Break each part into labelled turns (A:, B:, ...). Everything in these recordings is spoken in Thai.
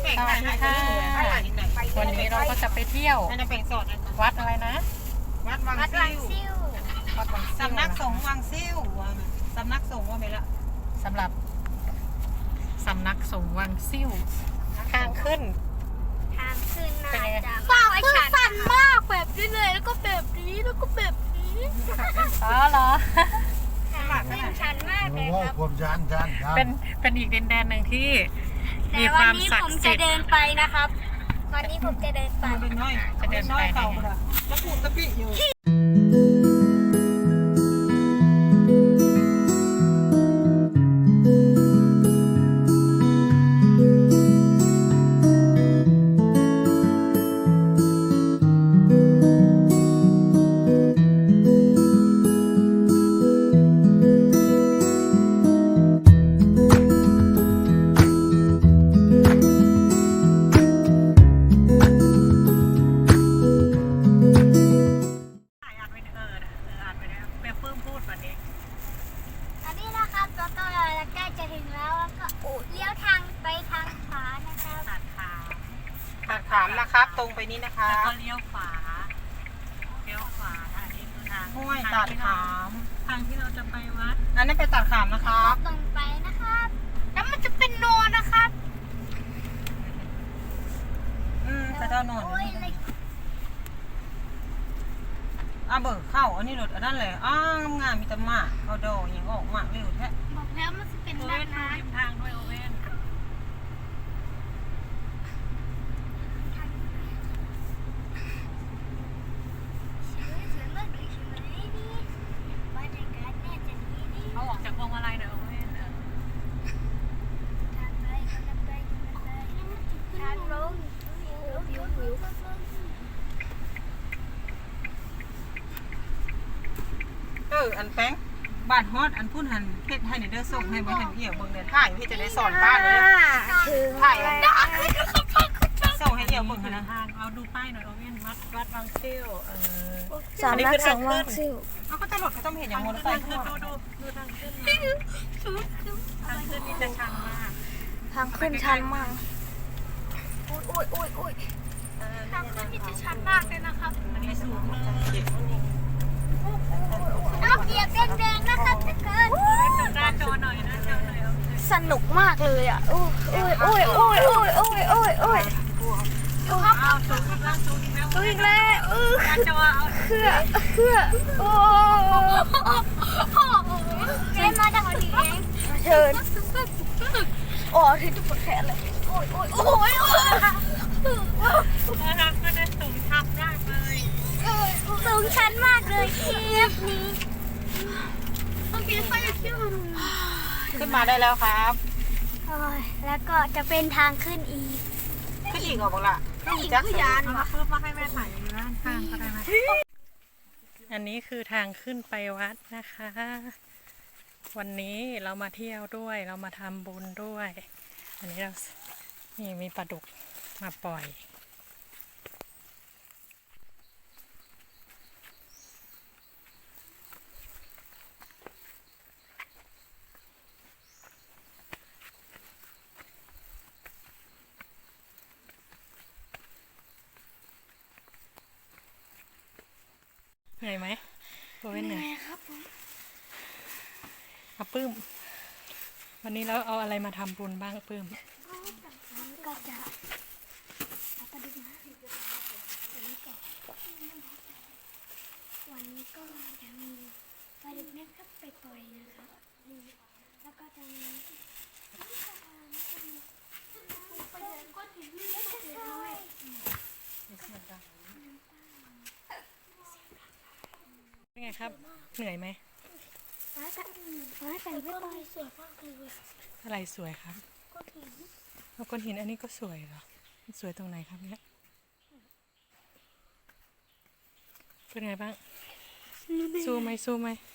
A: สวัสดีค่ะวันนี้เราก็จะไปเที่ยววัดอะไรนะ
B: วัดวังซิ่ว
A: วัดวังซิ่ว
B: สำนักสงฆ์วังซิ่วสำนักสงฆ์ว่าไม่ละ
A: สำหรับสำนักสงฆ์วังซิ่วทางขึ้น
B: น่าจะ
C: เปล่าไอ้ฉันสั่นมากแบบนี้เลยแล้วก็แบบนี้แล้วก็แบบนี้
A: อ๋อเหรอ
C: ชันมากเลยครับ
D: ความชัน
A: เป็นอีกดินแดนหนึ่งที่มีค
C: แต่วั
A: วาน ม
C: นี้
A: ศัก
C: ผม
A: ดิ์
C: จะ
A: สิทธิ์
C: เดินไปนะครับวันนี้ผมจะเดินไป
B: เป็นน้อยเต่าละแล้วปูตะปิอยู่
C: อันนี้นะครับเราก็ใกล้จะถึงแล้วก็เลี้ยวทางไปทางขวานะครับ
A: ตัดขา
B: ตัดขามนะครับ ตรงไปนี้นะคะ
A: แล้วก็เลี้ยวขวาอันนี้คือทาง
B: ห้วยตัดขาม
A: ทางที่เราจะไปวัด
B: อันนี้ไปตัดขามนะครับ
C: ตรงไปนะครับแล้วมันจะเป็นโนนะครับ
B: ไปเท่าโน่น
C: โอ้ยอะไร
B: เบิกเข้าอันนี้รถอันนั้นเลยงามมีแต่หมากเขาดอกอย่างออกหมากเร็วแท้
C: บอกแล้วมันจะเป็น
A: โอ
C: ด้า
A: เว่
C: น
A: น
C: น้
A: ริมทางด้วยโอเว่น
C: ำสวยมากเลยใช่ไหมนี่บรรยากาศแน่จะดีนี่
A: เขาออกจากพวงมาลัยหน่อยโอเว่น
C: ทางไปทางไปทางลงวิว
B: อันแป้งบ้านฮอดอันพุ่นหันเพชรให้ในเด้อส่งให้บ่เห็นเอี่ยวเบิ่งเดินถ่ายพี่จะได้สอนบ้านเลยถ่ายส่งให้เอี่ยวเบิ่งนะ
A: ทางเอาดูป้ายหน่อยโอเว่นวัดวังซิ่ว
C: สำนักสงฆ์วังซิ่ว
B: เขาก็จะหลดเขาต้องเห็นอย่างมอเตอร์ไซค์
A: ดู
B: ขึ้น
A: ดูทางขึ้นทางขึ้นนี่จะชันมาก
C: ทางขึ้นชันมากโอ้ยทางขึ้นนี่จะชันมากเลยนะครับ
A: อันนี้สูงเลย
C: น้ำเหยียบแดงๆนะครับทุกคน
A: ดูหน้าจอหน่อยนะจอหน่อย
C: สนุกมากเลยอ่ะโอ้ยดูครับ
A: เอาสูงอีกแล้วสูงอีกแล้ว
C: ดูอีกแล้ว
A: หน้าจอเอา
C: เพื่อโอ้เชิญมาจากที่เองเชิญโอ้ถึงจะปวดแขนเลยโอ้ย
A: ทางก็ได้สูงชันมากเลย
C: สูงชันมากเลยคลิปนี้ต้องกินไฟเที่ยว
B: ขึ้นมาได้แล้วครับ
C: แล้วก็จะเป็นทางขึ้นอีก
B: ขึ้นอีกเหรอบอกล่ะขึ้นอีกจักยาน
A: เอาเพิ่มมาให้แม่ถ่ายอยู่ด้านข้างก็ได้ไหมอันนี้คือทางขึ้นไปวัดนะคะ วันนี้เรามาเที่ยวด้วยเรามาทำบุญด้วย อันนี้เรานี่มีปลาดุกมาปล่อยเหนื่อยไหมโอ้ยเหนื่อย
C: ครับผม
A: เอาปื้ม วันนี้เราเอาอะไรมาทำบุญบ้างปื้ม
C: ก็จะเอาไปดูนะวันนี้ก็จะมีปลาดุกนะครับไปปล่อยนะครับแล้วก็จะมีก้อนหินเล็กๆน้อย
A: เป็นไงครับ เหนื่อยไหม
C: ร้านแต่ไม่ปล่อยสวยมากเลย
A: อะไรสวยครับ
C: ก้อนหิน
A: แล้วก้อนหินอันนี้ก็สวยเหรอมันสวยตรงไหนครับเนี่ยเป็นไงบ้างสู้ไหม
C: สู้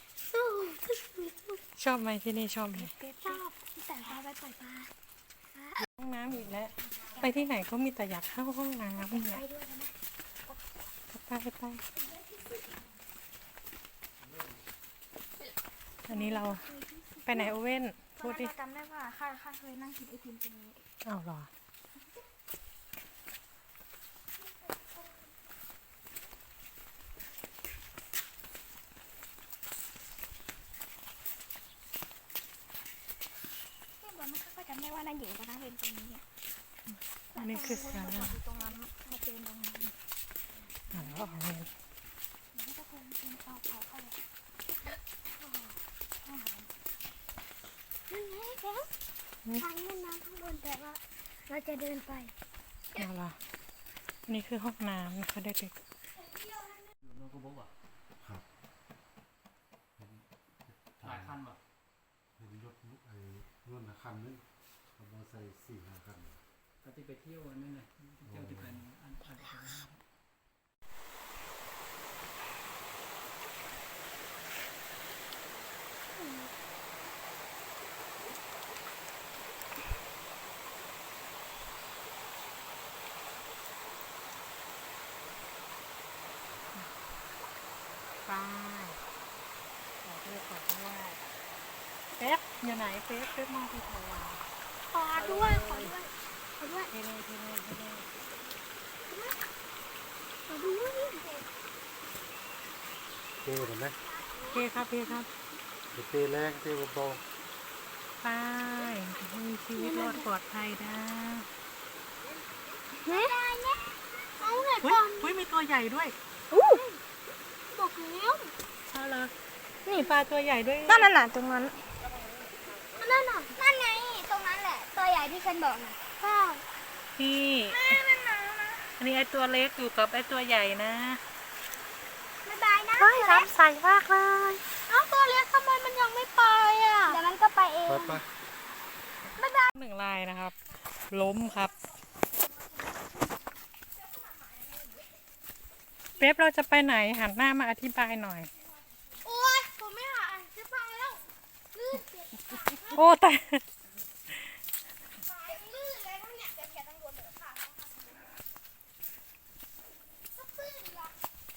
A: ชอบไหมที่นี่ชอบไหม
C: ชอบแต่พาไปปล่อยปลา
A: ห้องน้ำอีกแล้ว ไปที่ไหนก็มีแต่อยากเข้าห้องน้ำเนี่ย
C: ไปด้วยนะ
A: ไปอันนี้เราไปไหนโอเว่นพูดดิ
C: จำได้ว่าข้าเคยนั่งกินไอติมตรงนี้
A: อ้าวเหรอ
C: ำได้ว่านั่นหญิงก็นั่งเป็นตรงนี้
A: อันนี้คือสารา
C: ตรงนั้นพอเจนตรงนั้น
A: แล้วเอาเงิน
C: นี่ก็คงเป็นเขาเข้าเลยนั่นไงแกทางแม่น้ำข้างบนแต่ว่าเราจะเดินไป
A: เอาล่ะอันนี้คือห้องน้ำนะคะเด็ก
D: ครับ
E: หลายคันแบบ
D: เห็นยศลุกไอ้นุ่นนะคันนึงเอามอไซค์4-5 คัน
E: ก็ที่ไปเที่ยวอันนั้นเลยเที่ยวที่เป็นอัน
A: ๆป้ายขอด้วยเป๊ปอยู่ไหนเป๊ปมองไปทางเรา
C: ขอด้วย
A: เทเน่
C: ขอด้วย
D: เต้เห็นไหม
A: โอเคครับ
D: เต้แรงเต้เบา
A: ป้ายมีชีวิตรอดปลอดภัยนะ
C: เนี่ยเอาไหน
A: อุ้
C: ก่อน
A: ยมีตัวใหญ่ด้วย
C: บอกแล้ว
A: เอาเลยนี่ปลาตัวใหญ่ด้วย
C: นั่นน่ะตรงนั้นนั่นไงตรงนั้นแหละตัวใหญ่ที่ฉันบอกน่ะข้าว
A: นี่
C: มันหนาวนะ
A: อันนี้ไอตัวเล็กอยู่กับไอตัวใหญ่นะ
C: บ๊ายบายนะ
A: น้ำใสมากเลย
C: เอาตัวเล็กทำไมมันยังไม่ไปอ่ะเดี๋ยวมันก็ไปเอง
D: ๆไป
A: หนึ่งลายนะครับ ล้มครับเป๊ปเราจะไปไหนหันหน้ามาอธิบายหน่อย
C: โอ้ยผมไม่หาจะไปแล้วลื่นเจ็บ
A: โอ้แต่
C: สายลื่นเลยเนี่ยเจ็บแขนตั้งโดนเหนือขาก็ปื้นละ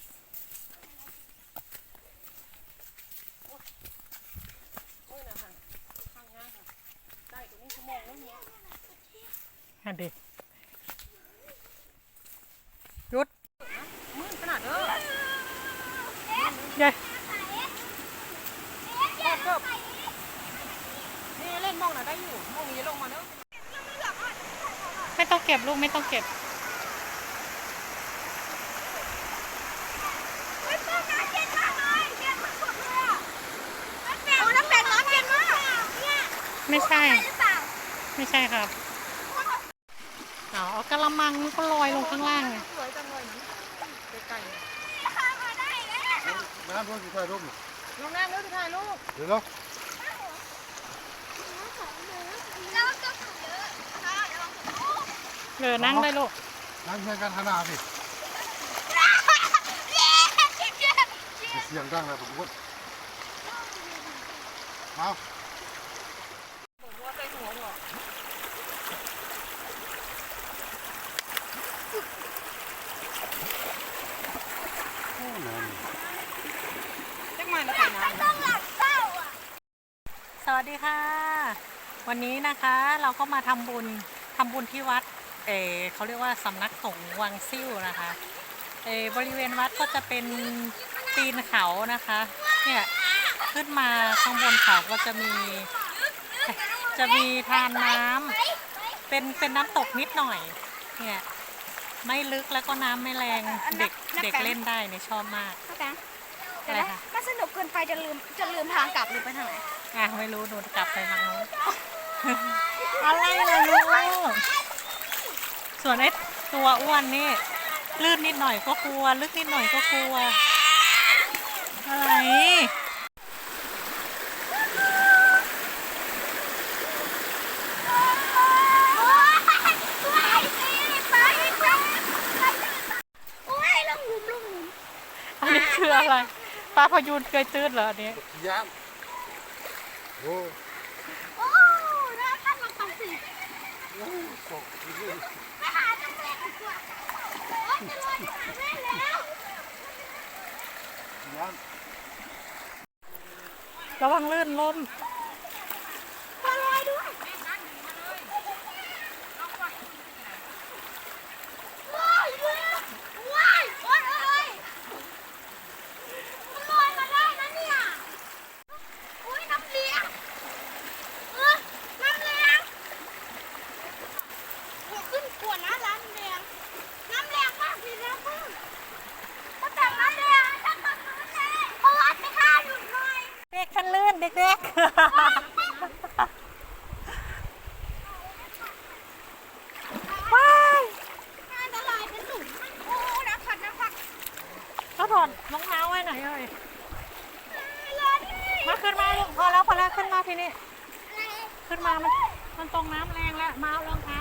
A: หันดิหยุด
B: มืดขนาดเด้อ
A: ใหญ่
B: นี่เล่นมองน่ะได้อยู่มองนี้ลงมาเด้อ
A: ไม่ต้องเก็บลูกไม่ต้องเก็บ
C: น้ำแข็งร้อนเย็นมากเนี่ย
A: ไม่ใช่
C: หรือเปล่า
A: ไม่ใช่ครับเอากระมังมันก็ลอยลงข้างล่างไง
B: สวยจังเลยนะไกล
C: ข้ามมาได้แล้ว
D: น้ำรถอยู่ใต้ร่ม
B: ๆลงน้ำเด้อถ่ายรูป
D: เดี๋ยวเนาะ
C: แล้วก็ถูกเยอะค่ะเดี๋ยวลองถูก
A: เดินนั่งได้ลูก
D: น้ำเพียงกันขนาดสิเสียงดังเลยผมว่าเอา
B: บอกว่าใจหัวหรอ
D: โอ้น้ำ
B: เล็กมาแล้วไปน้ำ
C: ต้องหลับเศร้าอ่ะ
A: สวัสดีค่ะ วันนี้นะคะเราก็มาทำบุญที่วัดเขาเรียกว่าสำนักสงฆ์วังซิ่วนะคะบริเวณวัดก็จะเป็นตีนเขานะคะเนี่ยขึ้นมาข้างบนเขาก็จะมีทานน้ำเป็นน้ำตกนิดหน่อยเนี่ยไม่ลึกแล้วก็น้ำไม่แรงเด็กเล่นได้เนี่ยชอบมาก
C: เข้าใจ
A: อะไรคะ
C: มันสนุกเกินไปจะลืมทางกลับหรือไปทางไหน
A: ไม่รู้หนูกลับไปทางนู้น อะไรล่ะลูกส่วนไอ้ตัวอ้วนนี่ลื่นนิดหน่อยก็กลัวลึกนิดหน่อยก็กลัวอะไรอันนี้คืออะไรปลาพยูนเคยตื้นเหรออันนี้
D: ย่างโอ้
C: โอ้แล้วท่านลองไปสิ
D: ตก
C: ไปหาตรงแรกดีกว่าโอ้จะลอยไปหาแม่แล้ว
D: ย่าง
A: ระวังลื่นล้ม
C: มาลอยด้วยว้ายว้ายโอ๊ยเอ้ยมันลอยมาได้นะเนี่ยอุ้ยน้ำเลี้ยงน้ำเลี้ยง
A: คันลื่นเด็กๆว้ายก็ถอดรองเท้าไว้หน่อยเลยมาขึ้นมาลูกพอแล้วขึ้นมาทีนี้ขึ้นมามันตรงน้ำแรงแล้วมาเอารองเท้า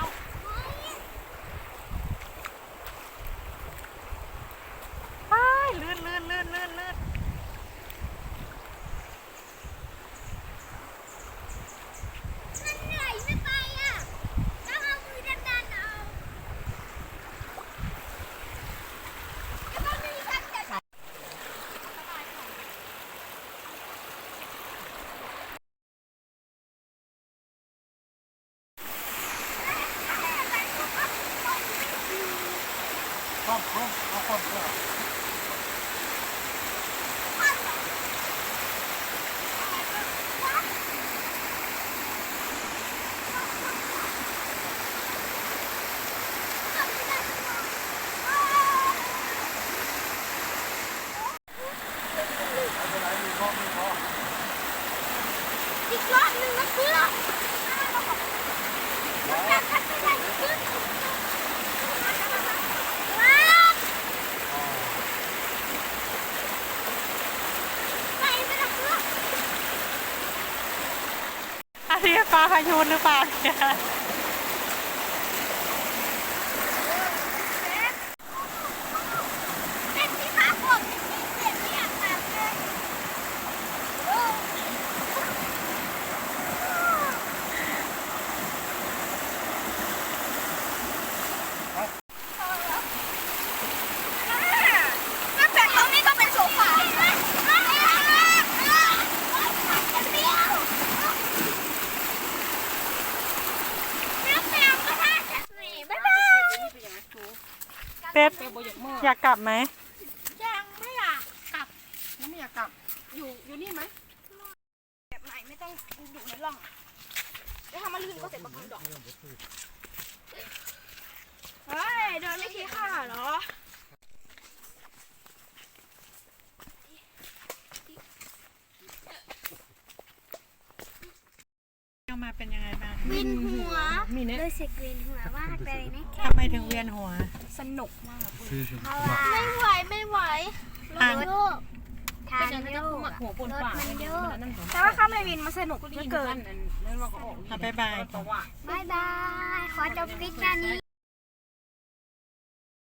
A: ว้ายลื่น
D: ครอบเอาครอบก็
C: อีกรอบหนึ่งนะเพื่อนจะขัดไม่ได้ขึ้นว้าวไปไม่ได้เพื่อน
A: อันนี้ปลาพายูนหรือเปล่าเนี่ย
C: เป็นที่พักผมเสียงไม่อยากแบบเลย น้ำแข็งตรงนี้ก็เป็นโซฟา
A: เป๊ป
B: เป๊ปบ่อยากเมื่อ
A: อยากกลับไหม
C: ยังไม่อยากกลับ
B: แล้วไม่อยากกลับอยู่นี่ไหม
C: แบบไหนไม่ต้องอยู่ในร่องแล้วทำมาลื่นก็เสร็จประกันดอกเฮ้ยเดินไม่ทีค่ะเหรอ
A: เอามาเป็นยังไงบ้าง
C: วินหัว
A: มีเนี่ย
C: รู้สึกวินหัวมากเลยนะ
A: ทำไมถึงเวียนหัว
C: สนุกมาก
D: ซื้อ
C: เพราะว่าไม่ไหวรถโยกทางโยกรถมันโยกแต่ว่าข้ามไปวินมาสนุกเหลือเกิน
B: นั่นว่าก็ออก
A: เอาบ๊ายบาย
B: เพราะว่า
C: บายบาย ขอจบคลิปแค่นี้